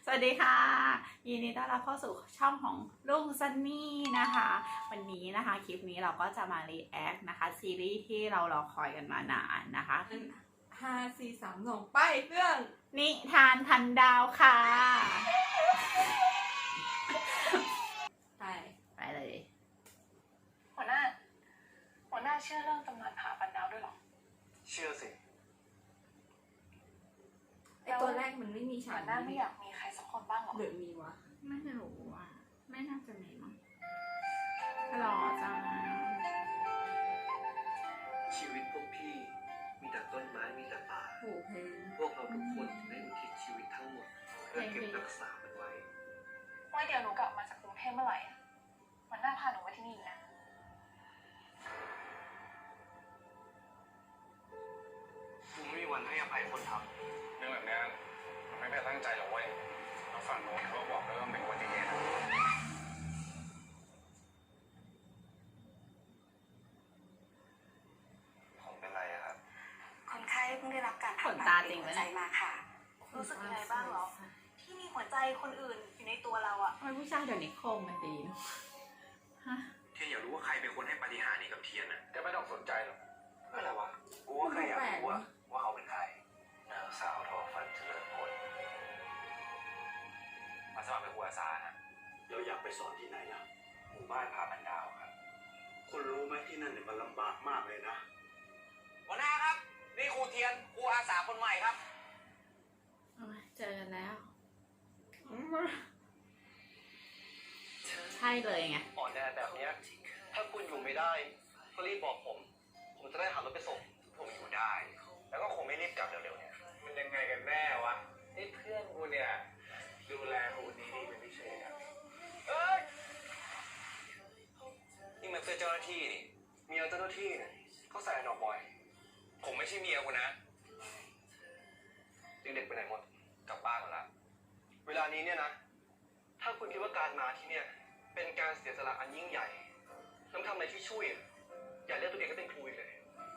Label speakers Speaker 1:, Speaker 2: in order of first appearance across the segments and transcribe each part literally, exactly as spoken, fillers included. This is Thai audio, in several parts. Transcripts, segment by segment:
Speaker 1: วัสดีค่ะยินดีต้อนรับเข้าสู่ช่องของลุงซันนี่นะคะวันนี้นะคะคลิปนี้เราก็จะมารีแอคนะคะซีรีส์ที่เรารอคอยกันมานานนะคะ
Speaker 2: ห้าสี่สามสองไปเรื่อง
Speaker 1: นิทานพันดาวค่ะ
Speaker 2: ไป
Speaker 1: ไปเลย
Speaker 3: หัวหน้าหัวหน้าเชื่อเรื่องตำนานผาพันดาวด้วยหรอ
Speaker 4: เชื่อสิ
Speaker 2: ไอตัวแรกมันไม่มีฉา
Speaker 3: หั
Speaker 2: ก
Speaker 3: วหน้าไม่อยากมีใครสักคนบ้างหรอ
Speaker 2: หรือมีวะ
Speaker 1: ไม่รู้อ่ะไม่น่าจะมีมั้งหล่อจัง
Speaker 4: ชีวิตพวกพี่มีแต่ต้นไม้มีแต่ป่า
Speaker 2: โอ้เพลง
Speaker 4: พวกเราทุกคนได้อุทิศชีวิตทั้งหมดเพื่อเก็บรักษามันไว้
Speaker 3: ไว้เดี๋ยวหนูกลับมาจากกรุงเทพเมื่อไหร่หัวหน้าพาหนูมาที่นี่นะ
Speaker 4: กูไม่มีวันให้อภัยคนท
Speaker 5: ำเรื่องแบบนี้มันไม่ได้ตั้งใจหรอกเว้ยแล้วฝั่งโน้นเขาบอกแล้วว่าเป็นอุบัติเหตุ
Speaker 4: ผมเป็นไรอะครับ
Speaker 6: คนไข้เพิ่งได้รับการผ่าตัดหัวใจมาค่ะ
Speaker 3: รู้สึกยังไงบ้างหรอที่มีหัวใจคนอื่นอยู่ในตัวเราอะ
Speaker 1: ทำไมผู้ชายเดี๋ยวนี้โคมมันดีเนาะฮะ
Speaker 4: เทียนอยากรู้ว่าใครเป็นคนให้ปาฏิหาริย์นี้กับเทียนอะ
Speaker 5: แกไม่ต้องสนใจหรอก
Speaker 4: อะไรวะกูว่าใครอยากรู้ว่าว่าเขาเป็นใครนางสาวทอฟันเจริญผลมาสมัครเป็นครูอาสานะเราอยากไปสอนที่ไหนอะหมู่บ้านผาพันดาวครับคุณรู้ไหมที่นั่นเนี่ยมันลำบากมากเลยนะ
Speaker 7: หัวหน้าครับนี่ครูเทียนครูอาสาคนใหม่ครับ
Speaker 1: เจอกันแล้วใช่เลยไง
Speaker 4: อ่อนแอแบบนี้ถ้าคุณอยู่ไม่ได้ก็รีบบอกผม ผมจะได้หารถไปส่งผมอยู่ได้ แล้วก็คงไม่รีบกลับเร็วๆเนี่ย
Speaker 5: มันยังไงกันแน่วะนี่เพื่อนกูเนี่ยดูแลกูดีดีเป็นพิเศษครับ
Speaker 4: เอ้ยนี่มันเสื้อเจ้าหน้าที่นี่เมียเจ้าหน้าที่เนี่ยเขาใส่ดอกบอยผมไม่ใช่เมียคุณนะเด็กๆไปไหนหมดกลับบ้านหมดละเวลานี้เนี่ยนะถ้าคุณคิดว่าการมาที่เนี่ยเป็นการเสียสละอันยิ่งใหญ่ต้องทำอะไรที่ช่วยอย่าเรียกตัวเองก็เป็นครูเลย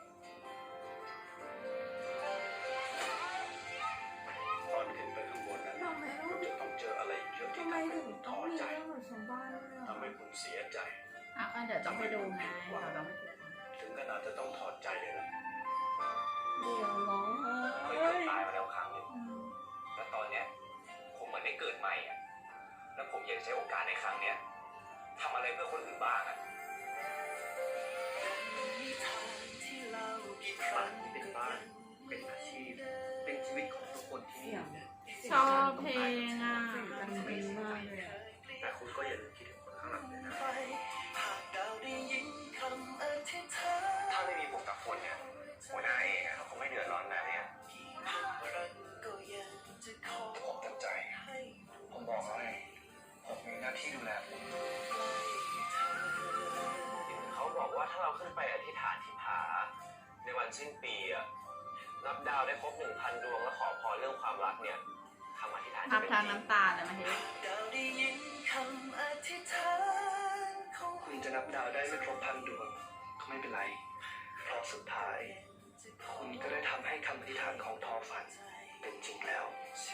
Speaker 4: ตอนขึ้นไปข้างบนนั้นคุณจะต้องเจออะไรเยอะที่ทำให้คุณท้อใจทำให้คุณเสียใจ
Speaker 1: อ่ะก็เดี๋ยวต้องไปดูไงเราต้องไปดู
Speaker 4: ถึงขนาดจะต้องถอดใจเลยนะ
Speaker 2: เดี๋ยวร้อง
Speaker 4: เคยเกือบตายมาแล้วครั้งหนึ่งแล้วตอนเนี้ยผมเหมือนได้เกิดใหม่อ่ะแล้วผมอยากใช้โอกาสในครั้งเนี้ยทำอะไรเพื่อคนอื่นบ้างอ่ะบ้านเป็นบ้านเป็นอาชีพเป็นชีวิตของทุกคนที่นี่
Speaker 1: ชอบเพลงอ่ะ
Speaker 2: มันดีมากเลย
Speaker 4: แต่คุณก็อย่าลืมคิดถึงคนข้างหลังเลยนะถ้าไม่มีผมกับคนเนี่ยหัวหน้าเองอ่ะเขาคงไม่เดือดร้อนแบบนี้ผมเต็มใจผมบอกแล้วไงผมมีหน้าที่ดูแลคุณเขาบอกว่าถ้าเราขึ้นไปอธิษฐานที่ผาในวันสิ้นปีอะนับดาวได้ครบหนึ่งพันดวงแล้วขอพรเรื่องความรักเนี่ยคำอธิษฐานจะเป็นจริง
Speaker 1: ทำทางน้ำตาเลยมาเฮ้ย
Speaker 4: คุณจะนับดาวได้ไม่ครบพันดวงก็ไม่เป็นไรเพราะสุดท้ายคุณก็ได้ทำให้คำอธิษฐานของทอฝันเป็นจริงแล้ว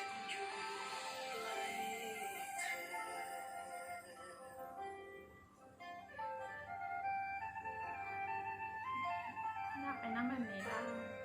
Speaker 1: อยากไปนั่งแบบนี้บ้าง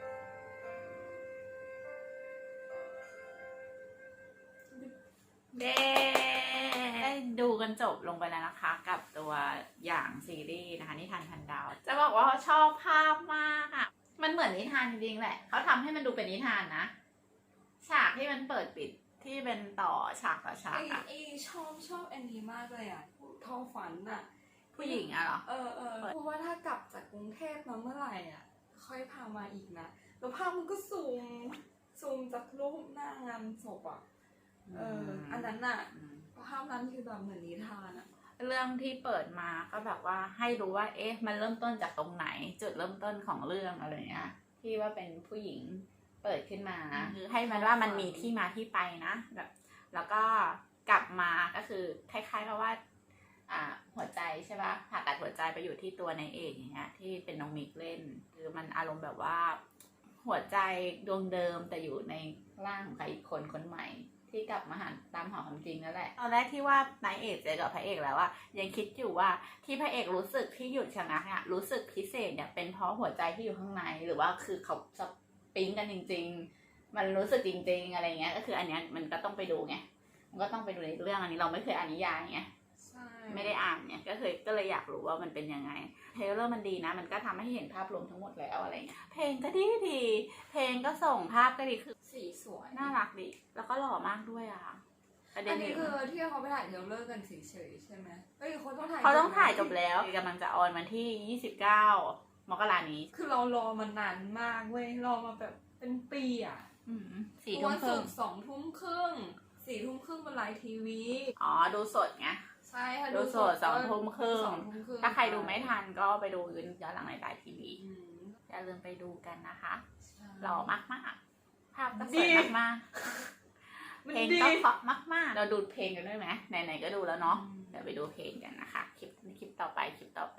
Speaker 1: เด้ได้ดูกันจบลงไปแล้วนะคะกับตัวอย่างซีรีส์นะคะนิทานพันดาวจะบอกว่าชอบภาพมากอ่ะมันเหมือนนิทานจริงๆแหละเขาทำให้มันดูเป็นนิทานนะฉากที่มันเปิดปิดที่เป็นต่อฉากต่อฉากอ่ะ
Speaker 2: ไอชอบชอบอันนี้มากเลยอ่ะทอฝันอ่ะ
Speaker 1: ผู้หญิงอ่ะเหรอ
Speaker 2: เออเออเพราะว่าถ้ากลับจากกรุงเทพมาเมื่อไหร่อ่ะค่อยพามาอีกนะแล้วภาพมันก็ซูมซูมจากรูปหน้างานศพอ่ะเอออันนั้นน่ะภาพนั้นคือแบบเหมือนนิทานอ่ะ
Speaker 1: เรื่องที่เปิดมาก็แบบว่าให้รู้ว่าเอ๊ะมันเริ่มต้นจากตรงไหนจุดเริ่มต้นของเรื่องอะไรเงี้ยที่ว่าเป็นผู้หญิงเปิดขึ้นมาคือให้มันว่ามันมีที่มาที่ไปนะแบบแล้วก็กลับมาก็คือคล้ายๆกับว่าอ่าหัวใจใช่ปะผ่าตัดหัวใจไปอยู่ที่ตัวนายเอกอย่างเงี้ยที่เป็นน้องมิกเล่นคือมันอารมณ์แบบว่าหัวใจดวงเดิมแต่อยู่ในร่างของใครอีกคนคนใหม่ทที่กลับมาหาตามหาความจริงนั่นแหละตอนแรกที่ว่านายเอกเจอกับพระเอกแล้วว่ายังคิดอยู่ว่าที่พระเอกรู้สึกที่หยุดชะงักเนี่ยรู้สึกพิเศษเนี่ยเป็นเพราะหัวใจที่อยู่ข้างในหรือว่าคือเขาสปริงกันจริงๆมันรู้สึกจริงๆอะไรเงี้ยก็คืออันเนี้ยมันก็ต้องไปดูไงมันก็ต้องไปดูในเรื่องอันนี้เราไม่เคยอ่านนิยายไง
Speaker 2: ใช่
Speaker 1: ไม่ได้อ่านเนี่ยก็เคยก็เลยอยากรู้ว่ามันเป็นยังไงเทรลเลอร์มันดีนะมันก็ทำให้เห็นภาพรวมทั้งหมดแล้วอะไรเงี้ยเพลงก็ดีดีเพลงก็ส่งภาพก็ดีคือ
Speaker 2: สีสวย
Speaker 1: น่ารักดีแล้วก็หล่อมากด้วยอ่ะประเด็
Speaker 2: อั
Speaker 1: น
Speaker 2: นนี้
Speaker 1: นี้
Speaker 2: คือที่เขาไปถ่ายเทรลเลอร์กันเฉยๆใช่ไหมเฮ้ยเขาต้องถ่าย
Speaker 1: เขาต้องถ่ายจบแล้วกำลังจะออนวันที่ยี่สิบเก้ามกรานี้
Speaker 2: คือเรารอมานานมากเว้ยรอมาแบบเป็นปีอ่ะ
Speaker 1: อืมสี่ทุ่ม
Speaker 2: วัน
Speaker 1: ค
Speaker 2: ศุ
Speaker 1: รึ่ง
Speaker 2: กร์สองทุ่มครึ่งสี่ทุ่มครึ่งบนไลน์ทีวี
Speaker 1: อ๋อดูสดไง
Speaker 2: ใช่ค่ะ
Speaker 1: ดูสดสองทุ่มครึ่ง
Speaker 2: สองทุ่มครึ่ง
Speaker 1: ถ้าใครดูไม่ทันก็ไปดูย้อนหลังในไลน์ทีวี
Speaker 2: อืม
Speaker 1: อย่าลืมไปดูกันนะคะ
Speaker 2: ใช่
Speaker 1: หล่อมากมากๆภาพก็สวยมากๆ
Speaker 2: มัน
Speaker 1: เพลง
Speaker 2: ดี
Speaker 1: ก็เพราะมากๆ เราดูเพลงกันด้วยไหมไหนๆก็ดูแล้วเนาะ
Speaker 2: อืม
Speaker 1: เดี๋ยวไปดูเพลงกันนะคะ คลิปคลิปต่อไป คลิปต่อไป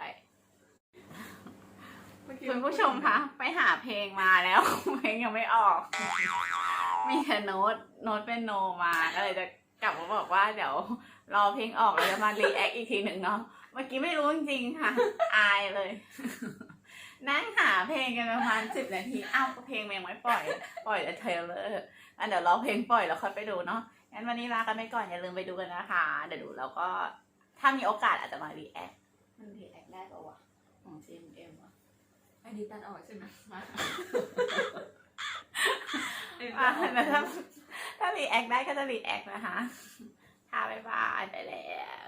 Speaker 2: เมื่อกี้
Speaker 1: คุณผู้ชมคะ ไปหาเพลงมาแล้ว เพลงยังไม่ออก มีแต่โน้ต โน้ตเป็นโนมา ก็เลยจะกลับมาบอกว่าเดี๋ยวรอเพลงออกแล้วจะมารีแอคอีกทีหนึ่งเนาะ เมื่อกี้ไม่รู้จริงๆค่ะ อายเลย นั่งหาเพลงกันประมาณสิบนาที อ้าวเพลงมันยังไม่ปล่อย ปล่อยแต่เทรลเลอร์อันเดี๋ยวรอเพลงปล่อยแล้วค่อยไปดูเนาะ งั้นวันนี้ลากันไปก่อนอย่าลืมไปดูกันนะคะ เดี๋ยวดูแล้วก็ถ้ามีโอกาสอาจจะมารีแอค มันรีแอคได้ปะวะของ จี เอ็ม เอ็ม วะ
Speaker 2: อันนี้ตัดออกใช่ไหม
Speaker 1: มาอ่ะแล้วถ้าถ้ารีแอคได้ก็จะรีแอคนะคะ ค่ะบ๊ายบายไปแล้ว